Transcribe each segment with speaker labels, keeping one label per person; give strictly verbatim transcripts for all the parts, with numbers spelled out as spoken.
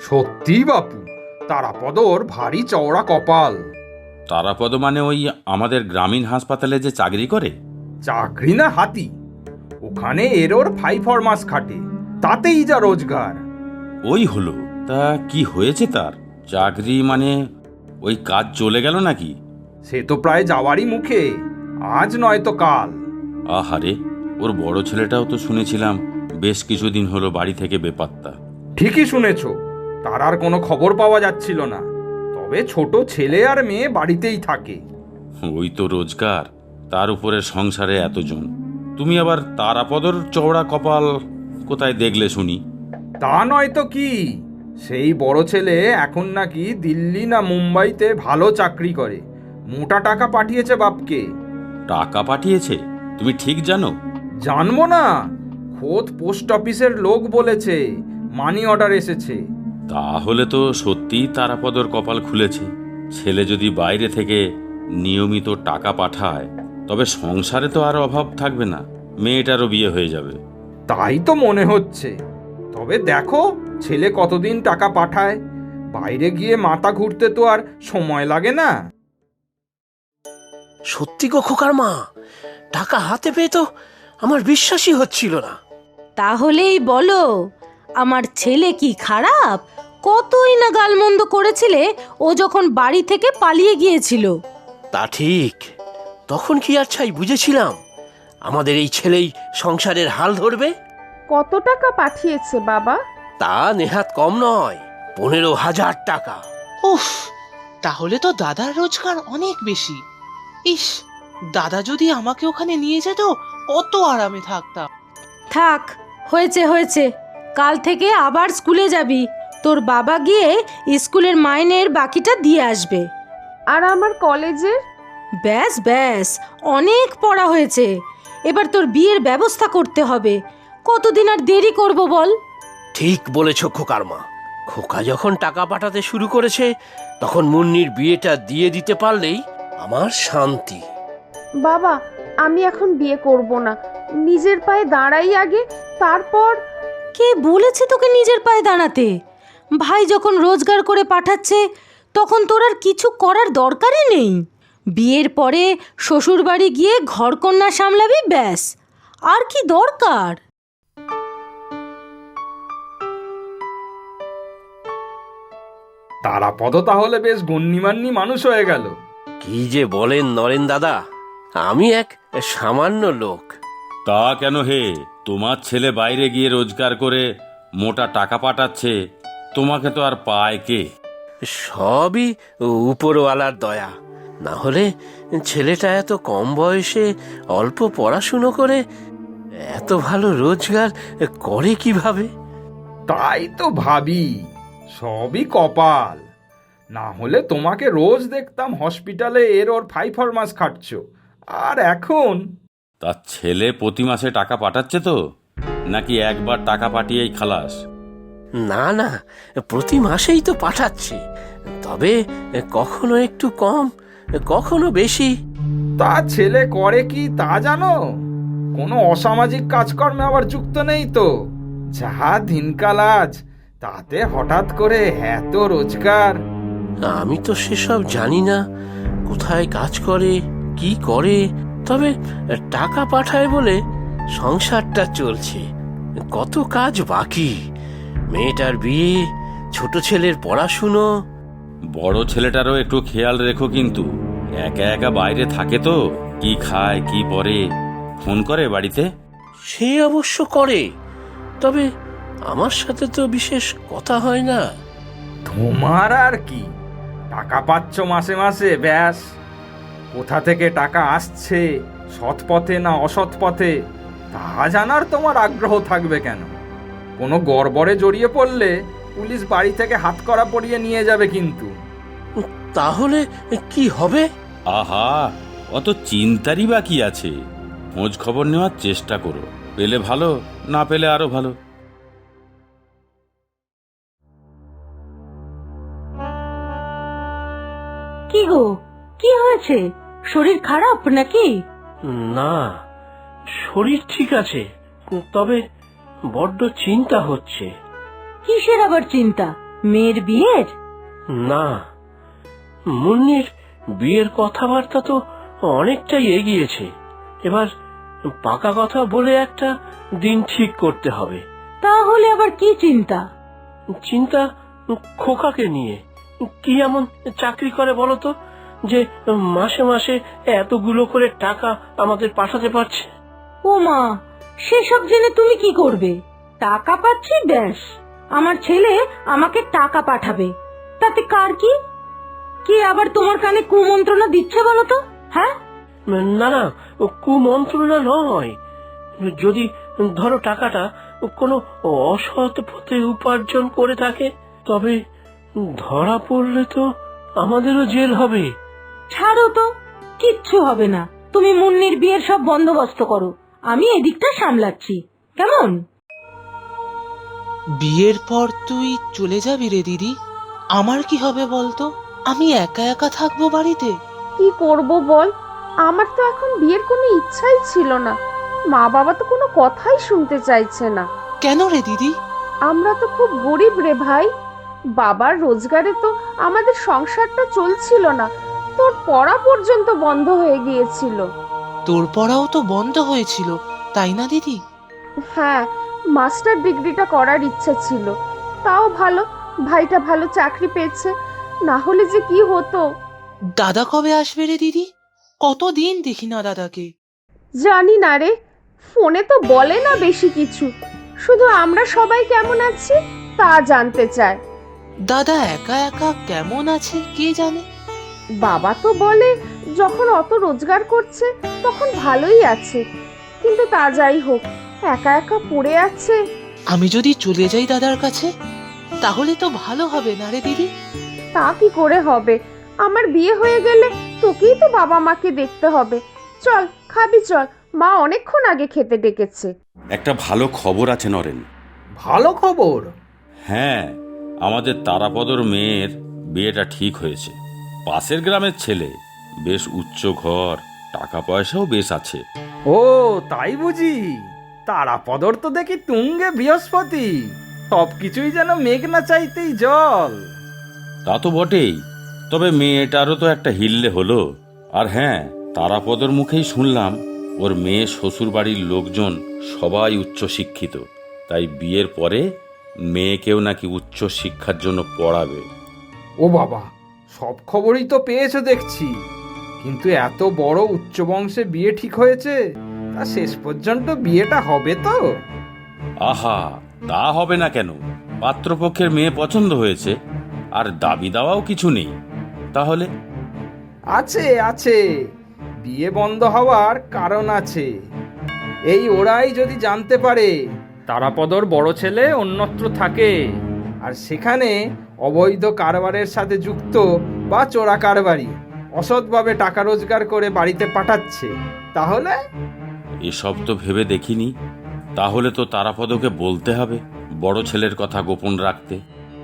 Speaker 1: সত্যি বাপু, তারাপদর ভারী চওড়া কপাল।
Speaker 2: তারাপদ মানে ওই আমাদের গ্রামীণ হাসপাতালে যে চাকরি করে?
Speaker 1: চাকরি না হাতি, ওখানে এরোর ফাইভ ফরমাস খাটে, তাতেই যা রোজগার।
Speaker 2: ওই হলো, তা কি হয়েছে তার? চাকরি মানে ওই কাজ চলে গেল নাকি?
Speaker 1: সে তো প্রায় যাওয়ারই মুখে, আজ নয় তো কাল।
Speaker 2: আহারে, ওর বড় ছেলেটাও তো শুনেছিলাম বেশ কিছুদিন হলো বাড়ি থেকে বেপাত্তা।
Speaker 1: ঠিকই শুনেছ, তার আর কোনো খবর পাওয়া যাচ্ছিল না। তবে ছোট ছেলে আর মেয়ে বাড়িতেই থাকে।
Speaker 2: ওই তো রোজগার, তার উপরে সংসারে এতজন। তুমি আবার তারাপদর চওড়া কপাল কোথায় দেখলে শুনি?
Speaker 1: তা নয় তো কি, সেই বড় ছেলে এখন নাকি দিল্লি না মুম্বাইতে ভালো চাকরি করে, মোটা টাকা পাঠিয়েছে বাপকে।
Speaker 2: টাকা পাঠিয়েছে? তুমি ঠিক জানো?
Speaker 1: জানবো না, খোদ পোস্ট অফিসের লোক বলেছে মানি অর্ডার এসেছে।
Speaker 2: তাহলে তো সত্যিই তারাপদর কপাল খুলেছে। ছেলে যদি বাইরে থেকে নিয়মিত টাকা পাঠায় তবে সংসারে তো আর অভাব থাকবে না, মেয়েটারও বিয়ে হয়ে যাবে।
Speaker 1: তাই তো মনে হচ্ছে। তবে দেখো ছেলে কতদিন টাকা পাঠায়, বাইরে গিয়ে মাথা ঘুরতে তো আর সময় লাগে না।
Speaker 3: সত্যি গো খোকার মা, টাকা হাতে পেয়ে তো আমার বিশ্বাসই হচ্ছিল না।
Speaker 4: তাহলেই বলো, আমার ছেলে কি খারাপ? কতই না গালমন্দ করেছিলে ও যখন বাড়ি থেকে পালিয়ে গিয়েছিল।
Speaker 3: তা ঠিক, তখন কি আর ছাই বুঝেছিলাম আমাদের এই ছেলেই সংসারের হাল ধরবে?
Speaker 5: কত টাকা পাঠিয়েছে বাবা?
Speaker 3: তা নেহাত কম নয়, পনেরো হাজার টাকা।
Speaker 6: উফ, তাহলে তো দাদার রোজগার অনেক বেশি। ইস, দাদা যদি আমাকে ওখানে নিয়ে যেত কত আরামে থাকতাম।
Speaker 4: থাক, হয়েছে হয়েছে, কাল থেকে আবার স্কুলে যাবি। তোর বাবা গিয়ে স্কুলের মাইনের বাকিটা দিয়ে আসবে।
Speaker 5: আর আমার কলেজের?
Speaker 4: ব্যাস ব্যাস, অনেক পড়া হয়েছে, এবার তোর বিয়ের ব্যবস্থা করতে হবে। কতদিন আর দেরি করব বল?
Speaker 3: ঠিক বলেছ খোকার মা, খোকা যখন টাকা পাঠাতে শুরু করেছে তখন মুন্নির বিয়েটা দিয়ে দিতে পারলেই আমার শান্তি।
Speaker 5: বাবা, আমি এখন বিয়ে করব না, নিজের পায়ে দাঁড়াই আগে, তারপর।
Speaker 4: কে বলেছে তোকে নিজের পায়ে দাঁড়াতে? ভাই যখন রোজগার করে পাঠাচ্ছে তখন তোর আর কিছু করার দরকারই নেই। বিয়ের পরে শ্বশুর বাড়ি গিয়ে ঘরকন্যা সামলাবি, ব্যাস। আর কি দরকার?
Speaker 1: তারাপদ তাহলে বেশ গণ্যমান্য মানুষ হয়ে গেল।
Speaker 3: কি যে বলেন নরেন দাদা, আমি এক সামান্য লোক।
Speaker 2: তা কেন হে, তোমার ছেলে বাইরে গিয়ে রোজগার করে মোটা টাকা পাঠাচ্ছে, তোমাকে তো আর পায় কে?
Speaker 3: সবই উপরওয়ালার দয়া, না হলে ছেলেটা এত কম বয়সে অল্প পড়াশুনো করে এত ভালো রোজগার করে কিভাবে?
Speaker 1: তাই তো ভাবি, সবই কপাল। না হলে তোমাকে রোজ দেখতাম হসপিটালে এর ওর ফাইভ ফরমাস খাটছ, আর এখন?
Speaker 2: তার ছেলে প্রতি মাসে টাকা পাঠাচ্ছে তো, নাকি একবার টাকা পাঠিয়েই খালাস?
Speaker 3: না না, প্রতি মাসেই তো পাঠাচ্ছে, তবে কখনো একটু কম, কখনো বেশি।
Speaker 1: তা ছেলে করে কি তা জানো? কোনো অসামাজিক কাজকর্মে আবার যুক্ত নেই তো? যা দিনকাল আজ, তাতে হঠাৎ করে এত রোজগার।
Speaker 3: আমি তো সেসব জানি না, কোথায় কাজ করে কি করে, তবে টাকা পাঠায় বলে সংসারটা চলছে। কত কাজ বাকি, মেয়েটার বিয়ে, ছোট ছেলের পড়াশুনো।
Speaker 2: বড় ছেলেটারও একটু খেয়াল রেখো কিন্তু, একা একা বাইরে থাকে তো, কি খায় কি পরে। ফোন করে বাড়িতে?
Speaker 3: সে অবশ্য করে, তবে আমার সাথে তো বিশেষ কথা হয় না।
Speaker 1: তোমার আর কি, টাকা পাচ্ছ মাসে মাসে, ব্যাস। কোথা থেকে টাকা আসছে, সৎ পথে না অসৎ পথে, তা জানার তোমার আগ্রহ থাকবে কেন? কোনো গড়বড়ে জড়িয়ে পড়লে পুলিশ বাড়ি থেকে হাতকড়া পরিয়ে নিয়ে যাবে কিন্তু।
Speaker 3: তাহলে কি হবে?
Speaker 2: আহা, অত চিন্তারই বা কি আছে? খোঁজ খবর নেওয়ার চেষ্টা করো, পেলে ভালো, না পেলে আরো ভালো।
Speaker 4: কি গো, কি হয়েছে? শরীর খারাপ নাকি?
Speaker 3: না, শরীর ঠিক আছে, তবে বড্ড চিন্তা হচ্ছে।
Speaker 4: কিসের আবার চিন্তা? মেয়ের বিয়ের?
Speaker 3: না, মুন্নির বিয়ের কথাবার্তা তো অনেকটাই এগিয়েছে। এবার পাকা কথা বলে একটা দিন ঠিক করতে হবে।
Speaker 4: তাহলে আবার কি চিন্তা?
Speaker 3: চিন্তা খোকাকে নিয়ে। কি এমন চাকরি করে বলো তো যে মাসে মাসে এতগুলো করে টাকা আমাদের পাঠাতে পারছে?
Speaker 4: ও মা, সেসব জেনে তুমি কি করবে? টাকা পাচ্ছি ব্যাস, আমার ছেলে আমাকে টাকা পাঠাবে, তাতে কার কি? কে আবার তোমার কানে কুমন্ত্রণা দিচ্ছে বলো তো? হ্যাঁ,
Speaker 3: না না, কুমন্ত্রণা নয়। যদি ধরো টাকাটা কোনো অসৎ পথে উপার্জন করে থাকে, তবে ধরা পড়লে তো আমাদেরও জেল হবে।
Speaker 4: ছাড়ো তো, কিচ্ছু হবে না। তুমি মুন্নির বিয়ের সব বন্দোবস্ত করো, আমি এদিকটা সামলাচ্ছি, কেমন?
Speaker 6: বিয়ের পর তুই চলে যাবি রে দিদি, আমার কি হবে বলতো? আমি একা একা থাকবো বাড়িতে।
Speaker 5: কি করব বল, আমার তো এখন বিয়ের কোনো ইচ্ছাই ছিল না। মা বাবা তো কোনো কথাই শুনতে চাইছে না।
Speaker 6: কেন রে দিদি?
Speaker 5: আমরা তো খুব গরিব রে ভাই। বাবার রোজগারে তো আমাদের সংসারটা চলছিল না, তোর পড়া পর্যন্ত বন্ধ হয়ে গিয়েছিল।
Speaker 6: তোর পড়াও তো বন্ধ হয়েছিল, তাই না দিদি?
Speaker 5: হ্যাঁ, মাস্টার ডিগ্রিটা করার ইচ্ছা ছিল। তাও ভালো, ভাইটা ভালো চাকরি পেয়েছে, না হলে যে কি হতো।
Speaker 6: দাদা কবে আসবে রে দিদি? কতদিন দেখি না দাদাকে।
Speaker 5: জানি না রে, ফোনে তো বলে না বেশি কিছু, শুধু আমরা সবাই কেমন আছি তা জানতে চায়।
Speaker 6: দাদা একা একা কেমন আছে কে জানে।
Speaker 5: বাবা তো বলে যখন অত রোজগার করছে তখন ভালোই আছে, কিন্তু তা যাই হোক, একা একা পড়ে আছে।
Speaker 6: আমি যদি চলে যাই দাদার কাছে, তাহলে তো ভালো হবে না রে দিদি?
Speaker 5: তা কি করে হবে, আমার বিয়ে হয়ে গেলে তোকেই তো বাবা মাকে দেখতে হবে। চল খাবি চল, মা অনেকক্ষণ আগে খেতে ডেকেছে।
Speaker 2: একটা ভালো খবর আছে নরেন।
Speaker 1: ভালো খবর?
Speaker 2: হ্যাঁ, আমাদের তারাপদর মেয়ের বিয়েটা ঠিক হয়েছে। পাশের গ্রামের ছেলে, বেশ উচ্চ ঘর, টাকা পয়সাও বেশ আছে।
Speaker 1: ও তাই বুঝি? তারাপদর তো দেখি তুঙ্গে বৃহস্পতি, সব কিছুই যেন মেঘ না চাইতেই জল।
Speaker 2: তা তো বটেই, তবে মেয়েটারও তো একটা হিল্লে হলো। আর হ্যাঁ, তারাপদর মুখেই শুনলাম ওর মেয়ে শ্বশুর বাড়ির লোকজন সবাই উচ্চ শিক্ষিত, তাই বিয়ের পরে মেয়েকেও নাকি উচ্চ শিক্ষার জন্য পড়াবে।
Speaker 1: ও বাবা, সব খবরই তো পেয়েছো দেখছি, কিন্তু এত বড় উচ্চ বংশে বিয়ে ঠিক হয়েছে, তা শেষ পর্যন্ত বিয়েটা হবে তো?
Speaker 2: আহা, তা হবে না কেন? পাত্রপক্ষের মেয়ে পছন্দ হয়েছে, আর দাবি দাওয়াও কিছু নেই। তাহলে
Speaker 1: আছে আছে, বিয়ে বন্ধ হওয়ার কারণ আছে। এই ওরাই যদি জানতে পারে তারাপদর বড় ছেলে অন্যত্র থাকে, আর সেখানে অবৈধ কারবারের সাথে যুক্ত বা চোরা কারবারি অসৎভাবে টাকা রোজগার করে বাড়িতে পাঠাচ্ছে, তাহলে?
Speaker 2: এসব তো ভেবে দেখিনি। তাহলে তো তারাপদকে বলতে হবে বড় ছেলের কথা গোপন রাখতে।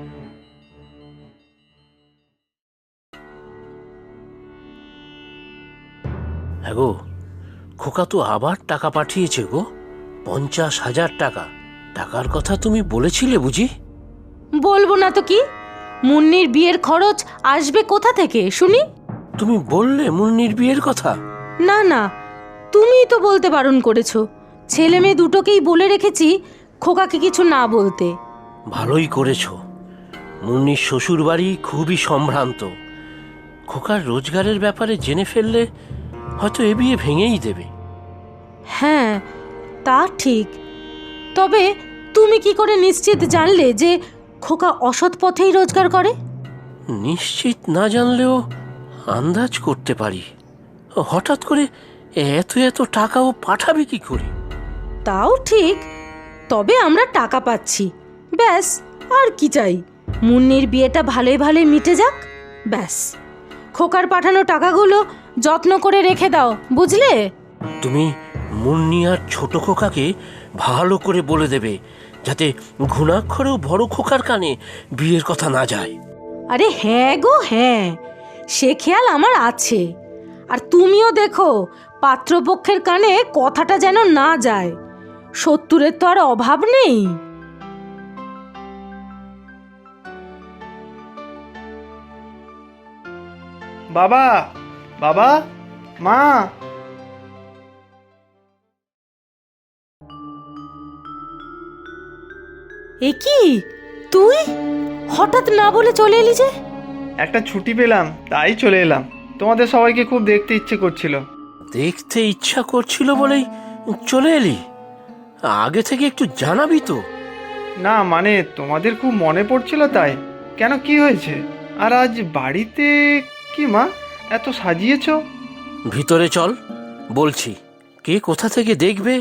Speaker 3: হ্যাঁ গো, খোকা তো আবার টাকা পাঠিয়েছে গো, পঞ্চাশ হাজার টাকা। টাকার কথা তুমি বলেছিলে বুঝি?
Speaker 4: বলবো না তো কি, মুন্নির বিয়ের খরচ আসবে কোথা থেকে শুনি?
Speaker 3: তুমি বললে মুন্নির বিয়ের কথা?
Speaker 4: না না, তুমিই তো বলতে বারণ করেছো। ছেলে মেয়ে দুটোকেই বলে রেখেছি খোকাকে কিছু না বলতে।
Speaker 3: ভালোই করেছো। মুন্নির শ্বশুর বাড়ি খুবই সম্ভ্রান্ত। খোকার রোজগারের ব্যাপারে জেনে ফেললে হয়তো এ বিয়ে ভেঙেই দেবে।
Speaker 4: হ্যাঁ, তা ঠিক। তবে তুমি কি করে নিশ্চিত জানলে যে খোকা অসৎ পথেই রোজগার করে?
Speaker 3: নিশ্চিত না জানলেও আন্দাজ করতে পারি। হঠাৎ করে এত এত টাকাও পাঠাবে কি করে?
Speaker 4: তাও ঠিক, তবে আমরা টাকা পাচ্ছি, ব্যাস, আর কি চাই? মুন্নির বিয়েটা ভালোই ভালোই মিটে যাক, ব্যাস। খোকার পাঠানো টাকাগুলো যত্ন করে রেখে দাও, বুঝলে?
Speaker 3: তুমি মুন্নি আর ছোট খোকাকে ভালো করে বলে দেবে, যাতে ঘুণাক্ষরেও বড় খোকার কানে বিয়ের কথা না যায়।
Speaker 4: আরে হ্যাঁ গো হ্যাঁ, সে খেয়াল আমার আছে। আর তুমিও দেখো পাত্রপক্ষের কানে কথাটা যেন না যায়, শত্রুরের তো আর অভাব নেই।
Speaker 7: বাবা, বাবা, মা।
Speaker 4: এ কি তুই হঠাৎ না বলে চলে এলি যে?
Speaker 7: একটা ছুটি পেলাম তাই চলে এলাম। তোমাদের সবাইকে খুব দেখতে ইচ্ছে করছিল।
Speaker 3: দেখতে ইচ্ছা করছিল বলেই চলে এলি? আগে থেকে একটু জানাবি তো।
Speaker 7: না মানে তোমাদের খুব মনে পড়ছিল তাই। কেন, কি হয়েছে? আর আজ বাড়িতে কি মা এত সাজিয়েছো?
Speaker 3: ভিতরে চল, বলছি। কে কোথা থেকে দেখবে?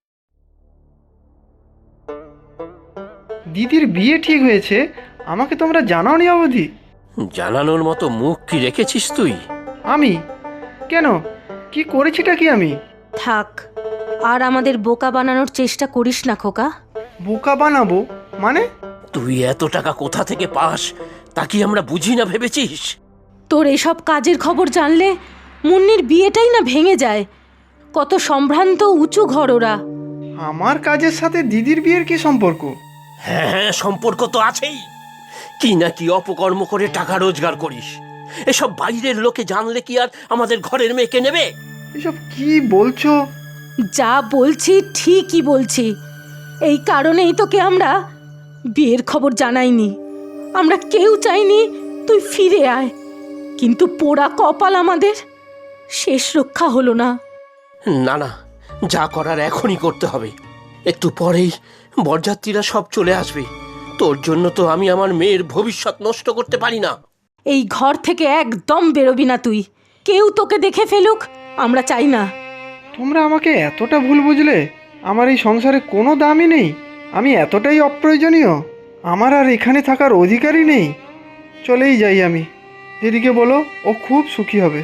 Speaker 7: দিদির বিয়ে ঠিক হয়েছে, আমাকে তোমরা জানাওনি অবধি?
Speaker 3: জানানোর মতো মুখ কি রেখেছিস তুই?
Speaker 7: আমি কেন, কি করেছিটা কি আমি?
Speaker 4: থাক, আর আমাদের বোকা বানানোর চেষ্টা করিস না খোকা।
Speaker 7: বোকা বানাবো মানে?
Speaker 3: তুই এত টাকা কোথা থেকে পাস তা কি আমরা বুঝি না ভেবেছিস?
Speaker 4: তোর এসব কাজের খবর জানলে মুন্নির বিয়েটাই না ভেঙে যায়। কত সম্ভ্রান্ত উঁচু ঘর ওরা।
Speaker 7: আমার কাজের সাথে দিদির বিয়ের কি সম্পর্ক?
Speaker 3: হ্যাঁ হ্যাঁ, সম্পর্ক তো আছেই। কি না কি অপকর্ম করে টাকা রোজগার করিস। এসব বাইরের লোকে জানলে কি আর আমাদের ঘরের মেয়েকে নেবে?
Speaker 7: এসব কি বলছো?
Speaker 4: যা বলছি ঠিকই বলছি। এই কারণেই তোকে আমরা বিয়ের খবর জানাইনি। আমরা কেউ চাইনি তুই ফিরে আয়, কিন্তু পোড়া কপাল আমাদের, শেষ রক্ষা হলো না।
Speaker 3: না না, যা করার এখনই করতে হবে। একটু পরেই বরযাত্রীরা সব চলে আসবে। তোর জন্য তো আমি আমার মেয়ের ভবিষ্যৎ নষ্ট করতে পারি না।
Speaker 4: এই ঘর থেকে একদম বেরোবি না তুই। কেউ তোকে দেখে ফেলুক, আমরা চাই না।
Speaker 7: তোমরা আমাকে এতটা ভুল বুঝলে? আমার এই সংসারে কোনো দামই নেই? আমি এতটাই অপ্রয়োজনীয়? আমার আর এখানে থাকার অধিকারই নেই? চলেই যাই আমি। দিদিকে বলো, ও খুব সুখী হবে।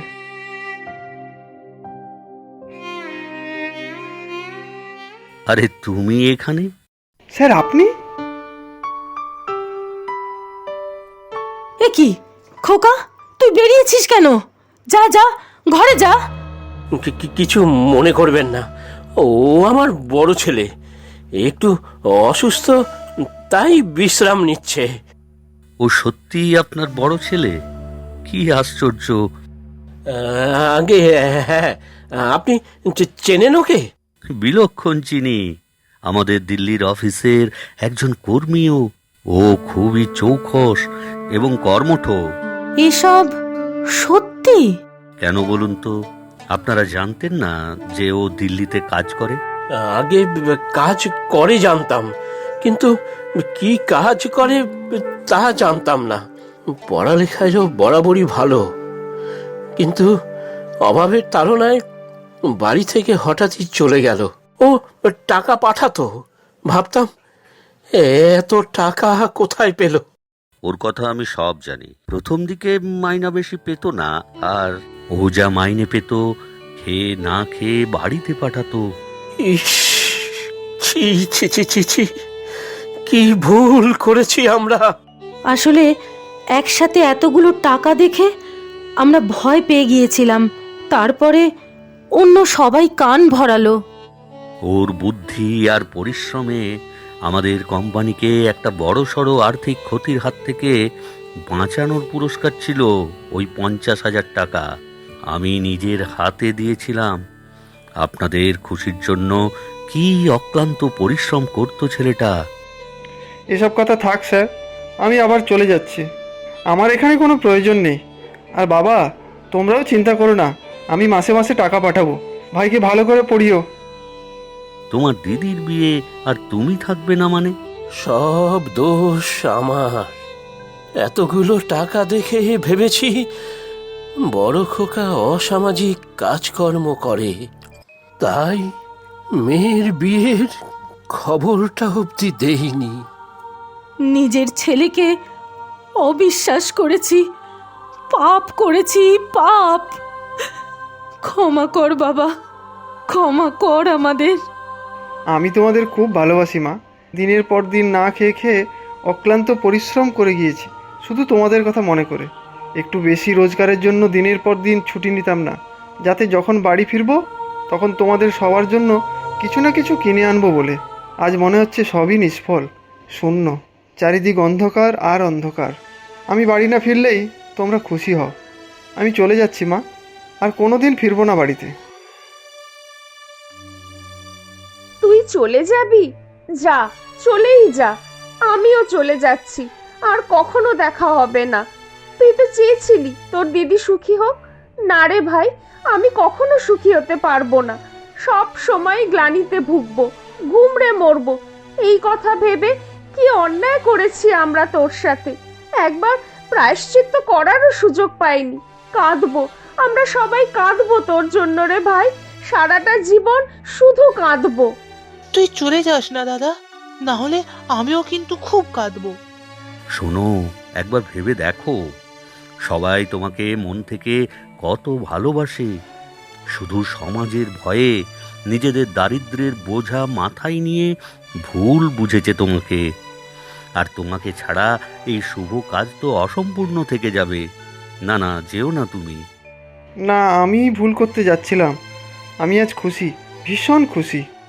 Speaker 8: আরে তুমি এখানে?
Speaker 7: স্যার আপনি?
Speaker 4: এ কি খোকা, তুই বেরিয়েছিস কেন? যা যা, ঘরে যা।
Speaker 3: কি- কি- কিছু মনে করবেন না, ও আমার বড় ছেলে, একটু অসুস্থ, তাই বিশ্রাম নিচ্ছে।
Speaker 8: ও সত্যিই আপনার বড় ছেলে? কি আশ্চর্য!
Speaker 3: আহ, আগে হ্যাঁ, আপনি চে- চেনেন ওকে?
Speaker 8: বিলক্ষণ চিনি, আমাদের দিল্লির অফিসের একজন কর্মীও। ও খুবই চৌখস এবং কর্মঠ।
Speaker 4: এসব সত্যি?
Speaker 8: কেন বলুন তো, আপনারা জানতেন না যে ও দিল্লিতে কাজ করে?
Speaker 3: আগে কাজ করে জানতাম, কিন্তু কি কাজ করে তা জানতাম না। পড়ালেখায়ও বরাবরই ভালো, কিন্তু অভাবের তাড়নায় বাড়ি থেকে হঠাৎই চলে গেল। ও টাকা পাঠাতো, ভাবতাম এত টাকা কোথায় পেল।
Speaker 8: ওর কথা আমি সব জানি। প্রথম দিকে মাইনা বেশি পেত না, আর ও যা মাইনে পেত খেয়ে না খেয়ে বাড়িতে পাঠাতো।
Speaker 3: ইস, ছি ছি ছি ছি ছি, কি ভুল করেছি আমরা।
Speaker 4: আসলে একসাথে এতগুলো টাকা দেখে আমরা ভয় পেয়ে গিয়েছিলাম। তারপরে অন্য সবাই কান ভরালো।
Speaker 8: ওর বুদ্ধি আর পরিশ্রমে আমাদের কোম্পানিকে একটা বড়সড় আর্থিক ক্ষতির হাত থেকে বাঁচানোর পুরস্কার ছিল ওই পঞ্চাশ হাজার টাকা। আমি নিজের হাতে দিয়েছিলাম। আপনাদের খুশির জন্য কি অক্লান্ত পরিশ্রম করতো ছেলেটা।
Speaker 7: এসব কথা থাক স্যার, আমি আবার চলে যাচ্ছি। আমার এখানে কোনো প্রয়োজন নেই। আর বাবা, তোমরাও চিন্তা করো না, আমি মাসে মাসে টাকা পাঠাবো। ভাইকে ভালো করে পড়িও।
Speaker 8: তোমার দিদির বিয়ে আর তুমি থাকবে না মানে?
Speaker 3: সব দোষ আমার। এতগুলো টাকা দেখে ভেবেছি বড় খোকা অসামাজিক কাজকর্ম করে, তাই মেয়ের বিয়ের খবরটা অবধি দেইনি।
Speaker 4: নিজের ছেলেকে অবিশ্বাস করেছি, পাপ করেছি, পাপ। ক্ষমা কর বাবা, ক্ষমা কর আমাদের।
Speaker 7: আমি তোমাদের খুব ভালোবাসি মা। দিনের পর দিন না খেয়ে খেয়ে অক্লান্ত পরিশ্রম করে গিয়েছি শুধু তোমাদের কথা মনে করে। একটু বেশি রোজগারের জন্য দিনের পর দিন ছুটি নিতাম না, যাতে যখন বাড়ি ফিরবো তখন তোমাদের সবার জন্য কিছু না কিছু কিনে আনবো বলে। আজ মনে হচ্ছে সবই নিষ্ফল, শূন্য, চারিদিক অন্ধকার আর অন্ধকার। আমি বাড়ি না ফিরলেই তোমরা খুশি হও। আমি চলে যাচ্ছি মা, আর কোনো দিন ফিরবো না বাড়িতে।
Speaker 5: তুই চলে যাবি? যা, চলেই যা। আমিও চলে যাচ্ছি, আর কখনো দেখা হবে না। তুই তো চেয়েছিলি তোর দিদি সুখী হোক। না রে ভাই, আমি কখনো সুখী হতে পারবো না। সব সময় গ্লানিতে ভুগবো, গুমড়ে মরবো। এই কথা ভেবে কি অন্যায় করেছি আমরা তোর সাথে। একবার প্রায়শ্চিত্ত করারও সুযোগ পাইনি। কাঁদবো, আমরা সবাই কাঁদবো তোর জন্য রে ভাই। সারাটা জীবন শুধু কাঁদবো।
Speaker 6: তুই চলে যাস না দাদা, না হলে আমিও কিন্তু খুব কাঁদবো।
Speaker 8: শোনো, একবার ভেবে দেখো, সবাই তোমাকে মন থেকে কত ভালোবাসে। শুধু সমাজের ভয়ে নিজেদের দারিদ্র্যের বোঝা মাথায় নিয়ে ভুল বুঝেছে তোমাকে। আর তোমাকে ছাড়া এই শুভ কাজ তো অসম্পূর্ণ থেকে যাবে। না না, যেও না তুমি।
Speaker 7: না, আমি ভুল করতে যাচ্ছিলাম। আমি আজ খুশি, ভীষণ খুশি।